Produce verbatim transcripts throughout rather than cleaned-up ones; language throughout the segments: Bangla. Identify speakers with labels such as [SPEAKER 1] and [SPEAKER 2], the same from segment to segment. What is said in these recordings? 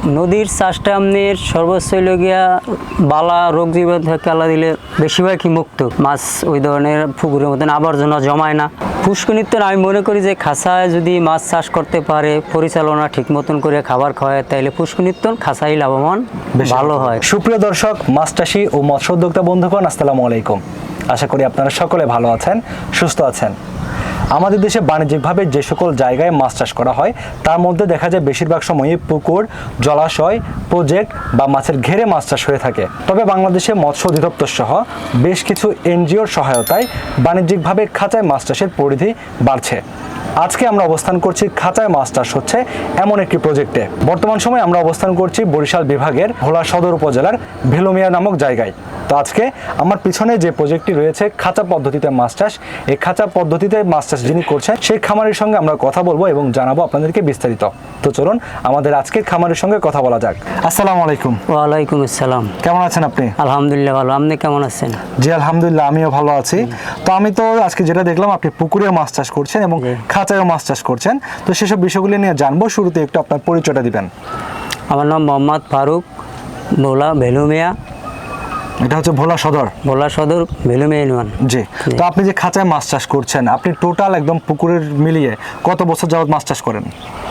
[SPEAKER 1] নদীর চাষটা আপনার সর্বোচ্চ হইল গিয়া বালা রোগ জীবাণু থেকে আল্লাহ দিলে বেশিরভাগই মুক্ত মাছ ওই ধরনের পুকুরের মতন আবর্জনা জমায় না। পুষ্কনিত্য আমি মনে করি যে খাঁচায় যদি মাছ চাষ করতে পারে, পরিচালনা ঠিক মতন করে খাবার খাওয়ায়, তাইলে পুষ্কনিত্য খাঁচাই লাভবান ভালো হয়।
[SPEAKER 2] সুপ্রিয় দর্শক, মাছ চাষি ও মৎস্য উদ্যোক্তা বন্ধুগণ, আসসালামু আলাইকুম। আশা করি আপনারা সকলে ভালো আছেন, সুস্থ আছেন। আমাদের দেশে বাণিজ্যিকভাবে যে সকল জায়গায় মাছ চাষ করা হয় তার মধ্যে দেখা যায় বেশিরভাগ সময়ই পুকুর, জলাশয়, প্রজেক্ট বা মাছের ঘেরে মাছ চাষ হয়ে থাকে। তবে বাংলাদেশে মৎস্য অধিদপ্তর সহ বেশ কিছু এনজিওর সহায়তায় বাণিজ্যিকভাবে খাঁচায় মাছ চাষের পরিধি বাড়ছে। আজকে আমরা অবস্থান করছি খাঁচায় মাছ চাষ হচ্ছে এমন একটি প্রজেক্টে। বর্তমান সময়ে আমরা অবস্থান করছি বরিশাল বিভাগের ভোলা সদর উপজেলার ভেলুমিয়া নামক জায়গায়। তো আজকে আমার পিছনে যে প্রজেক্টটি রয়েছে খাঁচা পদ্ধতিতে মাছ চাষ, এই খাঁচা পদ্ধতিতে মাছ চাষ যিনি করছেন সেই খামারের সঙ্গে আমরা কথা বলবো এবং জানাবো আপনাদেরকে বিস্তারিত। তো চলুন আমাদের আজকের খামারের সঙ্গে কথা বলা যাক। আসসালামু আলাইকুম।
[SPEAKER 1] ওয়ালাইকুম আসসালাম।
[SPEAKER 2] কেমন আছেন আপনি?
[SPEAKER 1] আলহামদুলিল্লাহ ভালো। আপনি কেমন আছেন?
[SPEAKER 2] জি আলহামদুলিল্লাহ, আমিও ভালো আছি। তো আমি তো আজকে যেটা দেখলাম আপনি পুকুরে মাছ চাষ করছেন এবং খাঁচায়ও মাছ চাষ করছেন, তো সেসব বিষয়গুলি নিয়ে জানবো। শুরুতে একটু আপনার পরিচয়টা দিবেন।
[SPEAKER 1] আমার নাম মোহাম্মদ ফারুক, ভোলা ভেলুমিয়া।
[SPEAKER 2] এটা হচ্ছে ভোলা সদর?
[SPEAKER 1] ভোলা সদর ভেলুমিয়া ইউনিয়ন।
[SPEAKER 2] জি। তো আপনি যে খাঁচায় মাছ চাষ করছেন, আপনি টোটাল একদম পুকুরের মিলিয়ে কত বছর যাবত মাছ চাষ করেন?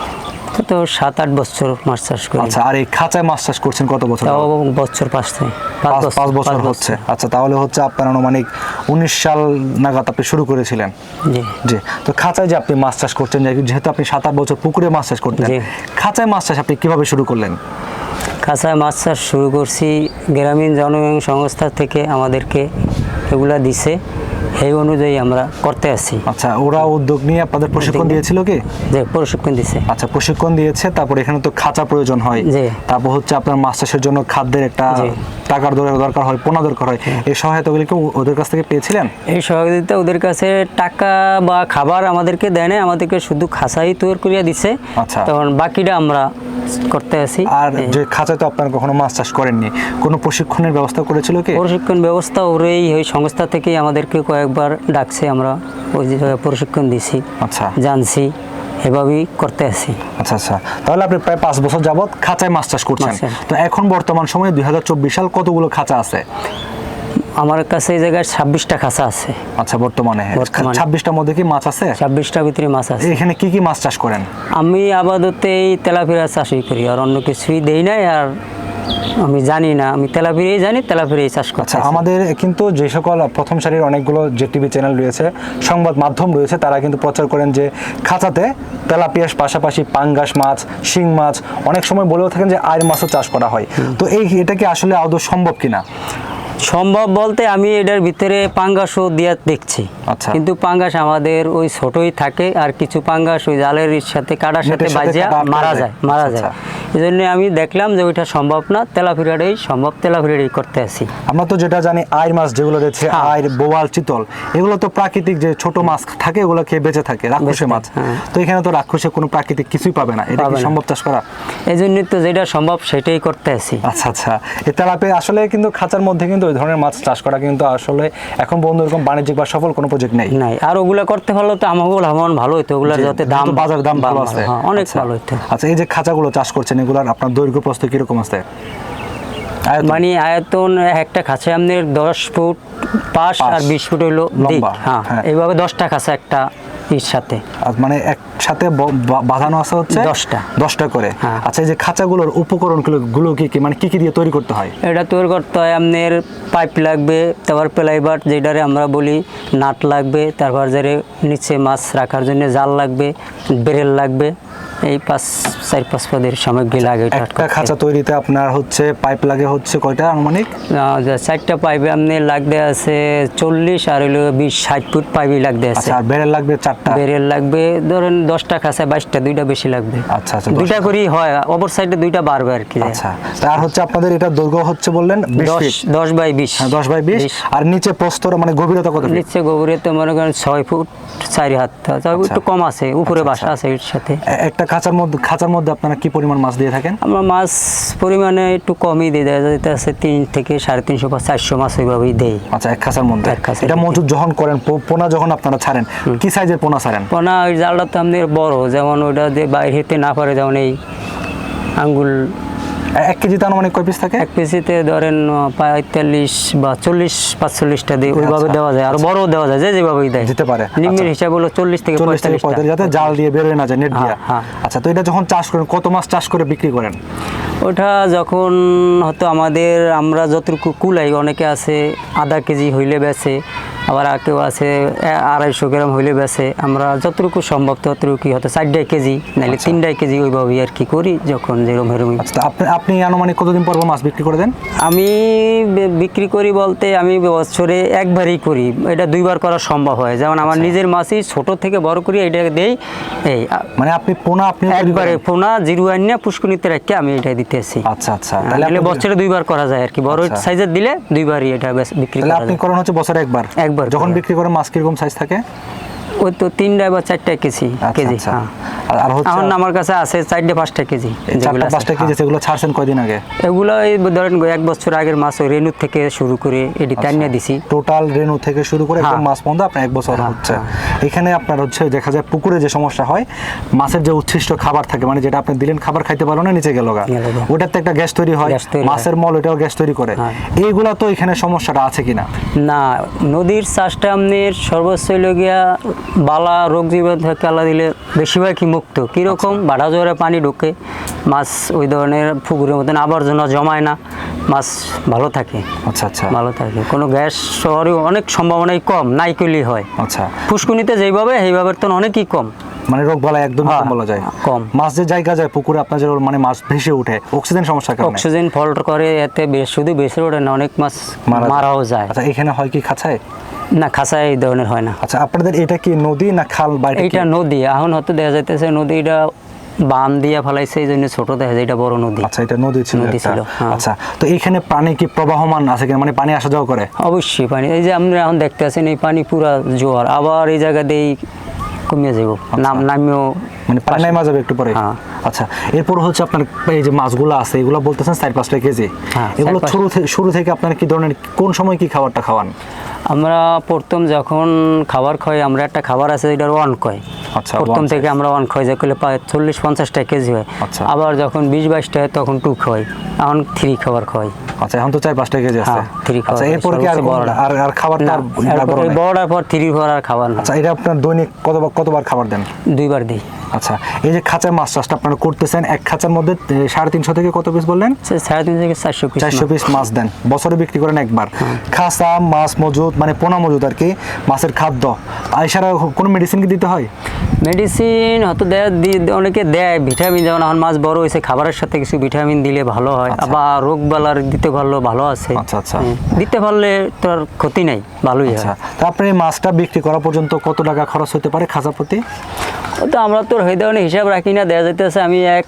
[SPEAKER 1] তো সাত আট বছর মাছ চাষ করি।
[SPEAKER 2] আচ্ছা, আর এই খাঁচায় মাছ চাষ করছেন কত বছর?
[SPEAKER 1] তাও বছর পাঁচ থেকে
[SPEAKER 2] পাঁচ পাঁচ বছর হচ্ছে। আচ্ছা, তাহলে হচ্ছে আপনার আনুমানিক উনিশ সাল নাগাদ আপনি শুরু করেছিলেন।
[SPEAKER 1] জি
[SPEAKER 2] জি। তো খাঁচায় যে আপনি মাছ চাষ করছেন, যেহেতু আপনি সাত আট বছর পুকুরে মাছ চাষ করতেন, খাঁচায় মাছ চাষ আপনি কিভাবে শুরু করলেন?
[SPEAKER 1] খাঁচায় মাছ চাষ শুরু করছি গ্রামীণ জনগণ সংস্থা থেকে আমাদেরকে এগুলা দিছে, এই অনুযায়ী আমরা করতে আসি।
[SPEAKER 2] আচ্ছা, ওরা উদ্যোগ নিয়ে আপনাদের প্রশিক্ষণ দিয়েছিল কি?
[SPEAKER 1] যে প্রশিক্ষণ দিছে।
[SPEAKER 2] আচ্ছা, প্রশিক্ষণ দিয়েছে। তারপর এখানে তো খাঁচা প্রয়োজন হয়, তারপর হচ্ছে আপনার মাছ চাষের জন্য খাদ্যের একটা টাকার দরকার হয়, পোনা দরকার হয়। এই সহায়তাগুলি কি ওদের কাছ থেকে পেয়েছিলেন?
[SPEAKER 1] এই সহযোগিতা ওদের কাছে টাকা বা খাবার আমাদেরকে দেয় না, আমাদেরকে শুধু খাঁচাই তৈরি করিয়া দিছে।
[SPEAKER 2] আচ্ছা,
[SPEAKER 1] তখন বাকিটা আমরা করতে আসি।
[SPEAKER 2] আর যে খাঁচায় তো আপনারা কখনো মাছ চাষ করেননি, কোনো প্রশিক্ষণের ব্যবস্থা করেছিল কি?
[SPEAKER 1] প্রশিক্ষণ ব্যবস্থা ওরেই ওই সংস্থা থেকেই আমাদেরকে কয়েকবার ডাকছে, আমরা ওই যে প্রশিক্ষণ দিছি।
[SPEAKER 2] আচ্ছা, জানছি,
[SPEAKER 1] এভাবেই করতে আসি।
[SPEAKER 2] আচ্ছা আচ্ছা, তাহলে আপনি প্রায় পাঁচ বছর যাবত খাঁচায় মাছ চাষ করছেন। তো এখন বর্তমান সময়ে দুই হাজার চব্বিশ সাল কতগুলো খাঁচা আছে?
[SPEAKER 1] আমার কাছে এই জায়গায় ছাব্বিশটা খাঁচা আছে।
[SPEAKER 2] আচ্ছা, বর্তমানে ছাব্বিশটার মধ্যে কি মাছ আছে? ছাব্বিশটার
[SPEAKER 1] ভিতরে মাছ আছে।
[SPEAKER 2] এখানে কি কি মাছ চাষ করেন?
[SPEAKER 1] আমি আপাতত এই তেলাপিয়া চাষই করি, আর অন্য কিছুই দেই নাই। আর আমি জানি না, আমি তেলাপিয়াই জানি, তেলাপিয়াই চাষ করছি।
[SPEAKER 2] আচ্ছা, আমাদের কিন্তু যে সকল প্রথম সারির অনেকগুলো যে টিভি চ্যানেল রয়েছে, সংবাদ মাধ্যম রয়েছে, তারা কিন্তু প্রচার করেন যে খাঁচাতে তেলাপিয়ার পাশাপাশি পাঙ্গাস মাছ, শিং মাছ, অনেক সময় বলেও থাকেন যে আইর মাছও চাষ করা হয়। তো এই এটা কি আসলে আদৌ সম্ভব কিনা?
[SPEAKER 1] সম্ভব বলতে আমি এটার ভিতরে পাঙ্গাসও দিয়ে দেখছি। আচ্ছা, কিন্তু পাঙ্গাস আমাদের ওই ছোটই থাকে, আর কিছু পাঙ্গাস ওই জালের সাথে কাটার সাথে বাজিয়া মারা যায় মারা যায় এই জন্য আমি দেখলাম যে ওইটা সম্ভব না, তেলাপিয়াটাই সম্ভব, তেলাপিয়াটাই করতে আসি।
[SPEAKER 2] আমরা তো যেটা জানি আইর মাছ যেগুলো রয়েছে, আইর, বোয়াল, চিতল, এগুলো তো প্রাকৃতিক যে ছোট মাছ থাকে ওগুলো খেয়ে বেঁচে থাকে, রাক্ষসে মাছ। তো এখানে তো রাক্ষসে কোনো প্রাকৃতিক কিছুই পাবে না, এটা কি সম্ভব চাষ করা?
[SPEAKER 1] এই জন্যই তো যেটা সম্ভব সেটাই করতে আসি।
[SPEAKER 2] আচ্ছা আচ্ছা, এই তেলাপিয়া আসলে কিন্তু খাঁচার মধ্যে কিন্তু ওই ধরনের মাছ চাষ করা কিন্তু আসলে এখন বন্ধু এরকম বাণিজ্যিক বা সফল কোনো প্রজেক্ট নেই
[SPEAKER 1] নাই। আর ওগুলা করতে পারলে তো আমাকে লাভবান ভালো হতো, ওগুলার যাতে দাম,
[SPEAKER 2] বাজার দাম ভালো আছে,
[SPEAKER 1] অনেক ভালো হতো।
[SPEAKER 2] আচ্ছা, এই যে খাঁচাগুলো চাষ করছেন এগুলার আপনার দৈর্ঘ্য প্রস্থ কিরকম আছে?
[SPEAKER 1] মানে আয়তন একটা খাঁচা আপনার দশ ফুট পাঁচ আর বিশ ফুট হইলো লম্বা। হ্যাঁ, এইভাবে দশটা খাঁচা একটা এর সাথে,
[SPEAKER 2] মানে একসাথে বাঁধানো আছে হচ্ছে দশটা দশটা করে। আচ্ছা, এই যে খাঁচাগুলোর উপকরণ গুলো কি কি, মানে কি কি দিয়ে তৈরি করতে হয়?
[SPEAKER 1] এটা তৈরি করতে হয় আপনার পাইপ লাগবে, তারপর প্লাইবার যেটারে আমরা বলি, নাট লাগবে, তারপর যারে নিচে মাছ রাখার জন্য জাল লাগবে, বেরেল লাগবে, এই পাঁচ চার পাঁচ পদের সামগ্রী লাগে।
[SPEAKER 2] একটা খাঁচা তৈরিতে আপনার হচ্ছে পাইপ লাগে হচ্ছে কয়টা আনুমানিক?
[SPEAKER 1] চারটা পাইপে আপনি লাগতে আছে চল্লিশ, আর হইলো বিশ ষাট ফুট পাইপই লাগতে আছে।
[SPEAKER 2] আর বেরেল লাগবে চারটা?
[SPEAKER 1] বেরেল লাগবে ধরেন দশটা খাঁচা বাইশটা, দুইটা বেশি লাগবে।
[SPEAKER 2] আচ্ছা আচ্ছা,
[SPEAKER 1] দুইটা করেই হয়, অপর সাইডে দুইটা বাড়বে আর কি।
[SPEAKER 2] আচ্ছা, আর হচ্ছে আপনাদের এটা দৈর্ঘ্য হচ্ছে বললেন
[SPEAKER 1] দশ বাই বিশ।
[SPEAKER 2] দশ বাই বিশ। আর নিচে প্রস্তর মানে গভীরতা কত?
[SPEAKER 1] নিচে গভীরতা মনে করেন ছয় ফুট চারি হাত, একটু কম আছে, উপরে বাসা আছে এর সাথে।
[SPEAKER 2] একটা খাঁচার মধ্যে খাঁচার মধ্যে আপনারা কি পরিমাণ মাছ দিয়ে থাকেন?
[SPEAKER 1] আমরা মাছ পরিমাণে একটু কমই দিয়ে দেয়, যেটা আছে তিন থেকে সাড়ে তিনশো বা চারশো মাছ ওইভাবেই দেই।
[SPEAKER 2] আচ্ছা, এক খাঁচার মধ্যে। এটা মজুদ যখন করেন, পোনা যখন আপনারা ছাড়েন, কি সাইজের পোনা ছাড়েন?
[SPEAKER 1] পোনা ওই জালটা তো আমাদের বড়, যেমন ওইটা দিয়ে বাইরে হতে না পারে, যেমন এই আঙ্গুল
[SPEAKER 2] এক কেজিতে আনুমানিক কয় পিস থাকে?
[SPEAKER 1] এক কেজিতে ধরেন আহ, পঁয়তাল্লিশ বা চল্লিশ পাঁচচল্লিশটা দিয়ে ওইভাবে
[SPEAKER 2] আচ্ছা।
[SPEAKER 1] দেওয়া যায়, আর বড়ও দেওয়া যায়, যে যেভাবেই দেয়
[SPEAKER 2] দিতে পারে।
[SPEAKER 1] নিম্নের
[SPEAKER 2] আচ্ছা।
[SPEAKER 1] হিসাব হলো চল্লিশ থেকে
[SPEAKER 2] চল্লিশ থেকে
[SPEAKER 1] পঁয়তাল্লিশটা।
[SPEAKER 2] পঁয়তাল্লিশ, যাতে জাল দিয়ে বেরোয় না যায়, নেট দিয়ে।
[SPEAKER 1] হ্যাঁ।
[SPEAKER 2] আচ্ছা, তো এটা যখন চাষ করেন কত মাছ চাষ করে বিক্রি করেন?
[SPEAKER 1] ওটা যখন হয়তো আমাদের আমরা যতটুকু কুলাই, অনেকে আছে আধা কেজি হইলে বেচে, আবার আর কেউ আছে এ- আড়াইশো গ্রাম হইলে বেচে। আমরা যতটুকু সম্ভব ততটুকু কি হয়তো চারটাই কেজি নাহলে তিনটাই কেজি ওইভাবেই আর কি করি যখন যেরকম এরকমই।
[SPEAKER 2] আচ্ছা, তো আপনি আপনি আনুমানিক কতদিন পর পর মাছ বিক্রি করে দেন?
[SPEAKER 1] আমি বে- বিক্রি করি বলতে আমি বছরে একবারই করি, এটা দুইবার করা সম্ভব হয়। যেমন আমার নিজের মাছই ছোট থেকে বড় করি এটা দেই, এই আ-
[SPEAKER 2] মানে আপনি পোনা আপনি
[SPEAKER 1] একবারে ফোনা জিরো আইনা পুষ্কনিতে রেখে আমি এটা দিতেছি।
[SPEAKER 2] আচ্ছা আচ্ছা,
[SPEAKER 1] তাহলে
[SPEAKER 2] আপনি-
[SPEAKER 1] বছরে দুইবার করা যায় আর কি, বড়
[SPEAKER 2] আচ্ছা।
[SPEAKER 1] সাইজের দিলে দুইবারই এটা বেশ বিক্রি
[SPEAKER 2] তাহলে
[SPEAKER 1] করা
[SPEAKER 2] আপনি
[SPEAKER 1] যায়।
[SPEAKER 2] করেন হচ্ছে বছরে একবার?
[SPEAKER 1] একবার
[SPEAKER 2] যখন
[SPEAKER 1] করে।
[SPEAKER 2] বিক্রি করেন মাছ কিরকম সাইজ থাকে?
[SPEAKER 1] ওই তো তিনটা বা চারটা কেজি
[SPEAKER 2] আচ্ছা,
[SPEAKER 1] কেজি
[SPEAKER 2] আচ্ছা।
[SPEAKER 1] হ্যাঁ।
[SPEAKER 2] আর- আর হচ্ছে
[SPEAKER 1] এখন আমার কাছে আছে চারটে পাঁচটা কেজি
[SPEAKER 2] এই
[SPEAKER 1] যেগুলো
[SPEAKER 2] চারটা
[SPEAKER 1] আছে,
[SPEAKER 2] পাঁচটা কেজি
[SPEAKER 1] হ্যাঁ।
[SPEAKER 2] সেগুলো ছাড়ছেন কয়দিন আগে?
[SPEAKER 1] এগুলো এই ধরেন এক বছর আগের মাছ ওই রেনুর থেকে শুরু করে এটি টানিয়ে দিছি।
[SPEAKER 2] টোটাল রেনু থেকে শুরু করে একদম
[SPEAKER 1] হ্যাঁ।
[SPEAKER 2] মাছ পর্যন্ত আপনার এক বছর
[SPEAKER 1] হ্যাঁ,
[SPEAKER 2] হচ্ছে। এখানে আপনার হচ্ছে দেখা যায় পুকুরে যে সমস্যা হয়, মাছের যে উচ্ছিষ্ট খাবার থাকে, মানে যেটা আপনি দিলেন খাবার খাইতে পারলো না, নিচে গেল গা,
[SPEAKER 1] গেল গা।
[SPEAKER 2] ওটাতে একটা গ্যাস তৈরি হয়,
[SPEAKER 1] গ্যাস তৈরি হয়।
[SPEAKER 2] মাছের মল ওটাও গ্যাস তৈরি করে।
[SPEAKER 1] হ্যাঁ।
[SPEAKER 2] এইগুলা তো এখানে সমস্যাটা আছে কিনা?
[SPEAKER 1] না, নদীর চাষটা আপনার সর্বোচ্চ হইল গিয়া বালা রোগ জীবাণু থেকে আল্লাহ দিলে বেশিরভাগই মুক্ত। কীরকম বাড়া জোরে পানি ঢুকে মাছ ওই ধরনের পুকুরের মতন আবর্জনা জমায় না, মাছ ভালো থাকে।
[SPEAKER 2] আচ্ছা আচ্ছা
[SPEAKER 1] ভালো থাকে, কোনো গ্যাস শহরে অনেক সম্ভাবনাই কম, নাই করলেই হয়।
[SPEAKER 2] আচ্ছা,
[SPEAKER 1] পুষ্কুনিতে যেইভাবে সেইভাবে তো অনেকই কম।
[SPEAKER 2] মানে রোগ বালা একদম
[SPEAKER 1] হ্যাঁ,
[SPEAKER 2] কম বলা যায়।
[SPEAKER 1] কম।
[SPEAKER 2] মাছ যে জায়গা যায় পুকুরে আপনার যে মানে মাছ ভেসে ওঠে অক্সিজেন সমস্যার কারণে
[SPEAKER 1] অক্সিজেন ফল্ট করে, এতে বেশ শুধু বেশি ওঠে না, অনেক মাছ
[SPEAKER 2] মারা যায়।
[SPEAKER 1] মারাও যায়।
[SPEAKER 2] আচ্ছা, এখানে হয় কি খাঁচায়?
[SPEAKER 1] না, খাঁচায় এই ধরনের হয় না।
[SPEAKER 2] আচ্ছা, আপনাদের এটা কি নদী না খাল বা এটা কি?
[SPEAKER 1] এইটা নদী, এখন হয়তো দেখা যাইতেছে নদীটা বান দিয়া ফেলাইছে, এই জন্য ছোট দেখা যায়, এটা বড় নদী।
[SPEAKER 2] আচ্ছা, এটা নদী ছিল
[SPEAKER 1] নদী
[SPEAKER 2] একটা।
[SPEAKER 1] ছিল, হ্যাঁ।
[SPEAKER 2] আচ্ছা, তো এখানে পানি কি প্রবাহমান আছে কিনা, মানে পানি আসা যাওয়া করে?
[SPEAKER 1] অবশ্যই পানি, এই যে আমরা এখন দেখতে আছেন এই পানি পুরা জোয়ার, আবার এই জায়গা দিয়েই কমিয়ে যাব, নাম নামিও
[SPEAKER 2] মানে পানি নামা যাবে একটু পরে?
[SPEAKER 1] হ্যাঁ।
[SPEAKER 2] আচ্ছা, এরপর হচ্ছে আপনার এই যে মাছগুলো আছে এগুলো বলতেছেন চার পাঁচটা কেজি,
[SPEAKER 1] হ্যাঁ,
[SPEAKER 2] এগুলো
[SPEAKER 1] চার পাঁচ-
[SPEAKER 2] শুরু থেকে শুরু থেকে আপনার কি ধরনের কোন সময় কি খাবারটা খাওয়ান?
[SPEAKER 1] আমরা প্রথম যখন খাবার খাই, আমরা একটা খাবার আছে এটার ওয়ান কয়,
[SPEAKER 2] আচ্ছা,
[SPEAKER 1] প্রথম
[SPEAKER 2] one
[SPEAKER 1] থেকে আমরা ওয়ান খাই, যে করলে প্রায় চল্লিশ পঞ্চাশটা কেজি হয়।
[SPEAKER 2] আচ্ছা।
[SPEAKER 1] আবার যখন বিশ বাইশটা হয় তখন টু খাই, এখন থ্রি খাবার খাই।
[SPEAKER 2] আচ্ছা, এখন তো চার পাঁচটা কেজি আছে।
[SPEAKER 1] হ্যাঁ, three খাওয়া
[SPEAKER 2] আচ্ছা,
[SPEAKER 1] হয়,
[SPEAKER 2] এরপর কি আর
[SPEAKER 1] সর্বোচ্চ
[SPEAKER 2] কোন-
[SPEAKER 1] বড়টা।
[SPEAKER 2] আর আর খাবার
[SPEAKER 1] না,
[SPEAKER 2] আর
[SPEAKER 1] এরপর
[SPEAKER 2] বড়
[SPEAKER 1] এই
[SPEAKER 2] নাই?
[SPEAKER 1] বড়টার পর থ্রি খাওয়ার আর খাবার না,
[SPEAKER 2] আচ্ছা, এটা আপনার দৈনিক কতবার কতবার খাবার দেন?
[SPEAKER 1] দুইবার দিই।
[SPEAKER 2] আচ্ছা, এই যে খাঁচায় মাছ চাষটা আপনারা করতেছেন, এক খাঁচার মধ্যে এ, সাড়ে তিনশো থেকে কত পিস বললেন?
[SPEAKER 1] সে সাড়ে তিন থেকে চারশো পিস
[SPEAKER 2] চারশো পিস মাছ দেন, বছরে বিক্রি করেন একবার। খাঁচা মাছ মজুদ মানে পোনা মজুদ আর কি, মাছের খাদ্য এছাড়া কোনো মেডিসিন কি দিতে হয়?
[SPEAKER 1] মেডিসিন হয়তো দেয়, দি- অনেকে দেয় ভিটামিন, যেমন এখন মাছ বড় হয়েছে খাবারের সাথে কিছু ভিটামিন দিলে ভালো হয়,
[SPEAKER 2] আচ্ছা।
[SPEAKER 1] আবার রোগ বালার দিতে পারলো ভালো আছে।
[SPEAKER 2] আচ্ছা, আচ্ছা।
[SPEAKER 1] হুম, দিতে পারলে তো আর ক্ষতি নাই, ভালোই
[SPEAKER 2] আচ্ছা,
[SPEAKER 1] হয়।
[SPEAKER 2] তা আপনি এই মাছটা বিক্রি করা পর্যন্ত কত টাকা খরচ হতে পারে খাঁচা প্রতি?
[SPEAKER 1] ও তো আমরা তো হয়ে দেওয়ার হিসাব রাখি না, দেওয়া যেতেছে আমি এক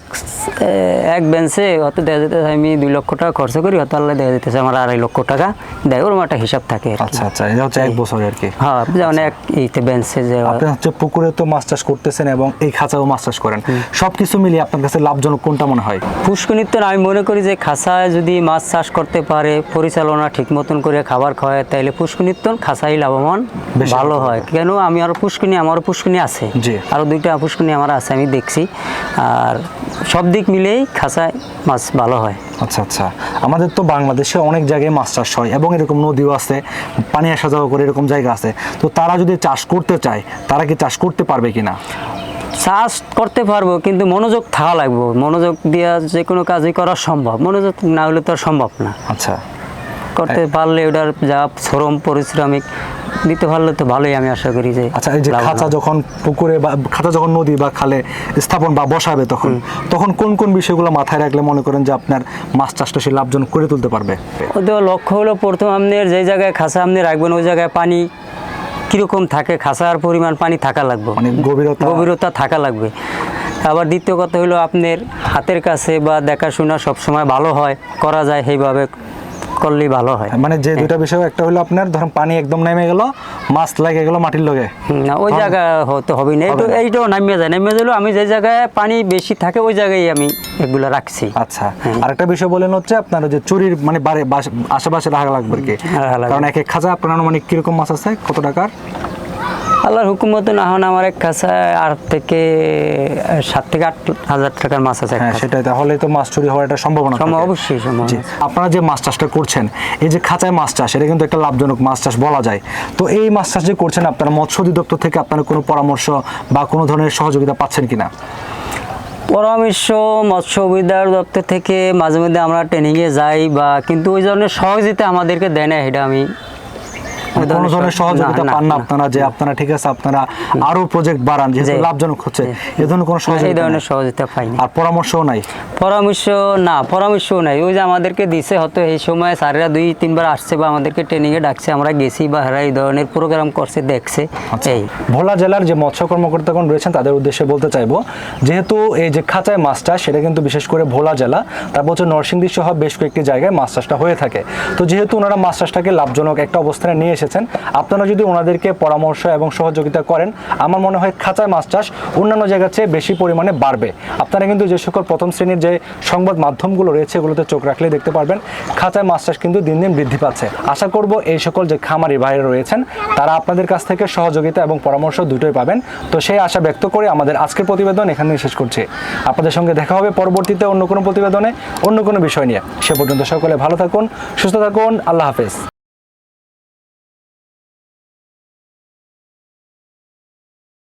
[SPEAKER 1] এক বেঞ্চে হয়তো দেওয়া যেতেছে আমি দুই লক্ষ টাকা খরচ করি, হয়তো আল্লাহ দেওয়া যেতেছে আমার আড়াই লক্ষ টাকা দেয়, ওরকম একটা হিসাব থাকে আর কি।
[SPEAKER 2] আচ্ছা আচ্ছা, এটা হচ্ছে এক বছরে আর কি।
[SPEAKER 1] হ্যাঁ, যেমন এক এইতে বেঞ্চে যে
[SPEAKER 2] আপনি হচ্ছে পুকুরে তো মাছ চাষ করতেছেন এবং এই খাঁচাও মাছ চাষ করেন, সবকিছু মিলিয়ে আপনার কাছে লাভজনক কোনটা মনে হয়?
[SPEAKER 1] পুষ্কনিত্য আমি মনে করি যে খাঁচায় যদি মাছ চাষ করতে পারে, পরিচালনা ঠিক মতন করে খাবার খাওয়ায়, তাইলে পুষ্কনিত্য খাঁচাই লাভবান
[SPEAKER 2] বেশি
[SPEAKER 1] ভালো
[SPEAKER 2] লাভবান।
[SPEAKER 1] হয়। কেন আমি আরও পুষ্কনি, আমারও পুষ্কনি আছে,
[SPEAKER 2] জি।
[SPEAKER 1] আরও দুইটা পুষ্কনি আমার আছে, আমি দেখছি, আর সব দিক মিলেই খাঁচায় মাছ ভালো হয়।
[SPEAKER 2] আচ্ছা আচ্ছা, আমাদের তো বাংলাদেশে অনেক জায়গায় মাছ চাষ হয় এবং এরকম নদীও আছে, পানি আসা যাওয়া করে এরকম জায়গা আছে, তো তারা যদি চাষ করতে চায় তারা কি চাষ করতে পারবে কিনা?
[SPEAKER 1] চাষ করতে পারবো, কিন্তু মনোযোগ থাকা লাগবে, মনোযোগ দিয়ে যে কোনো কাজই করা সম্ভব, মনোযোগ না হলে তো আর সম্ভব না।
[SPEAKER 2] আচ্ছা,
[SPEAKER 1] করতে পারলে ওটার যা শ্রম পরিশ্রমিক দিতে পারলে তো ভালোই, আমি আশা করি যে।
[SPEAKER 2] আচ্ছা, এই যে
[SPEAKER 1] লাভবান
[SPEAKER 2] খাঁচা
[SPEAKER 1] হবে।
[SPEAKER 2] যখন পুকুরে বা খাঁচা যখন নদী বা খালে স্থাপন বা বসাবে তখন তখন কোন কোন বিষয়গুলো মাথায় রাখলে মনে করেন যে আপনার মাছ চাষটা সে লাভজনক করে তুলতে পারবে?
[SPEAKER 1] ওদের লক্ষ্য হলো প্রথম আপনার যে জায়গায় খাঁচা আপনি রাখবেন ওই জায়গায় পানি কীরকম থাকে, খাঁচার পরিমাণ পানি থাকা লাগবে,
[SPEAKER 2] মানে গভীরতা
[SPEAKER 1] গভীরতা থাকা লাগবে। আবার দ্বিতীয় কথা হলো আপনার হাতের কাছে বা দেখাশোনা সবসময় ভালো হয়, করা যায় সেইভাবে করলেই ভালো হয়।
[SPEAKER 2] মানে যে দুইটা বিষয়, একটা হলো আপনার ধরুন পানি একদম নেমে গেল, মাছ লেগে গেল মাটির লগে,
[SPEAKER 1] হুম, না ওই জায়গা হতে হবে না, এইটা
[SPEAKER 2] হবে না।
[SPEAKER 1] এইটাও নামিয়ে যায়, নামিয়ে গেলেও আমি যে জায়গায় পানি বেশি থাকে ওই জায়গায় আমি এগুলো রাখছি।
[SPEAKER 2] আচ্ছা, আরেকটা বিষয় বলেন হচ্ছে আপনার ওই যে চুরির মানে বাড়ি বাস- আশেপাশে রাখা লাগবে আর কি,
[SPEAKER 1] রাখা লাগবে।
[SPEAKER 2] কারণ এক এক খাঁচা আপনার আনুমানিক কিরকম মাছ আছে, কত টাকার?
[SPEAKER 1] আল্লাহর হুকুম মতন এখন আমার এক খাঁচায় আট থেকে সাত থেকে আট হাজার টাকার মাছ আছে এক
[SPEAKER 2] হ্যাঁ
[SPEAKER 1] খাঁচায়।
[SPEAKER 2] সেটাই, তাহলে তো মাছ চুরি হওয়ার একটা সম্ভাবনা
[SPEAKER 1] সম্ভব,
[SPEAKER 2] থাকে।
[SPEAKER 1] অবশ্যই সম্ভব।
[SPEAKER 2] জি, আপনারা যে মাছ চাষটা করছেন, এই যে খাঁচায় মাছ চাষ, এটা কিন্তু একটা লাভজনক মাছ চাষ বলা যায়। তো এই মাছ চাষ যে করছেন, আপনারা মৎস্য অধিদপ্তর থেকে আপনারা কোনো পরামর্শ বা কোনো ধরনের সহযোগিতা পাচ্ছেন কিনা?
[SPEAKER 1] পরামর্শ মৎস্য অধিদপ্তর দপ্তর থেকে মাঝে মধ্যে আমরা ট্রেনিংয়ে যাই, বা কিন্তু ওই ধরনের সহযোগিতা আমাদেরকে দেয় না, এটা আমি ওই
[SPEAKER 2] কোনো ধরনের
[SPEAKER 1] সহ-
[SPEAKER 2] সহযোগিতা
[SPEAKER 1] না,
[SPEAKER 2] পান না
[SPEAKER 1] না,
[SPEAKER 2] আপনারা, যে আপনারা ঠিক আছে আপনারা আরো প্রজেক্ট বাড়ান যেহেতু
[SPEAKER 1] জি।
[SPEAKER 2] লাভজনক হচ্ছে,
[SPEAKER 1] জি।
[SPEAKER 2] এই ধরনের কোনো
[SPEAKER 1] এই
[SPEAKER 2] সহযোগিতা
[SPEAKER 1] ধরনের
[SPEAKER 2] নাই?
[SPEAKER 1] সহযোগিতা পাইনি।
[SPEAKER 2] আর পরামর্শও নাই?
[SPEAKER 1] পরামর্শ না, পরামর্শও নাই। ওই যে আমাদেরকে দিছে, হয়তো এই সময় স্যারেরা দুই তিনবার আসছে বা আমাদেরকে ট্রেনিংয়ে ডাকছে, আমরা গেছি বা এরা এই ধরনের প্রোগ্রাম করছে, দেখছে। এই
[SPEAKER 2] ভোলা জেলার যে মৎস্য কর্মকর্তাগণ রয়েছেন তাদের উদ্দেশ্যে বলতে চাইবো, যেহেতু এই যে খাঁচায় মাছ চাষ, সেটা কিন্তু বিশেষ করে ভোলা জেলা, তারপর হচ্ছে নরসিংদী সহ বেশ কয়েকটি জায়গায় মাছ চাষটা হয়ে থাকে। তো যেহেতু ওনারা মাছ চাষটাকে লাভজনক একটা অবস্থানে নিয়ে এসেছেন, আপনারা যদি ওনাদেরকে পরামর্শ এবং সহযোগিতা করেন, আমার মনে হয় খাঁচায় মাছ চাষ অন্যান্য জায়গার চেয়ে বেশি পরিমাণে বাড়বে। আপনারা কিন্তু যে সকল প্রথম শ্রেণীর যে সংবাদ মাধ্যমগুলো রয়েছে এগুলোতে চোখ রাখলে দেখতে পারবেন খাঁচায় মাছ চাষ কিন্তু দিন দিন বৃদ্ধি পাচ্ছে। আশা করব এই সকল যে খামারি ভাইরা রয়েছেন তারা আপনাদের কাছ থেকে সহযোগিতা এবং পরামর্শ দুটোই পাবেন। তো সেই আশা ব্যক্ত করে আমাদের আজকের প্রতিবেদন এখানে শেষ করছি। আপনাদের সঙ্গে দেখা হবে পরবর্তীতে অন্য কোনো প্রতিবেদনে অন্য কোনো বিষয় নিয়ে। সে পর্যন্ত সকলে ভালো থাকুন, সুস্থ থাকুন। আল্লাহ হাফেজ।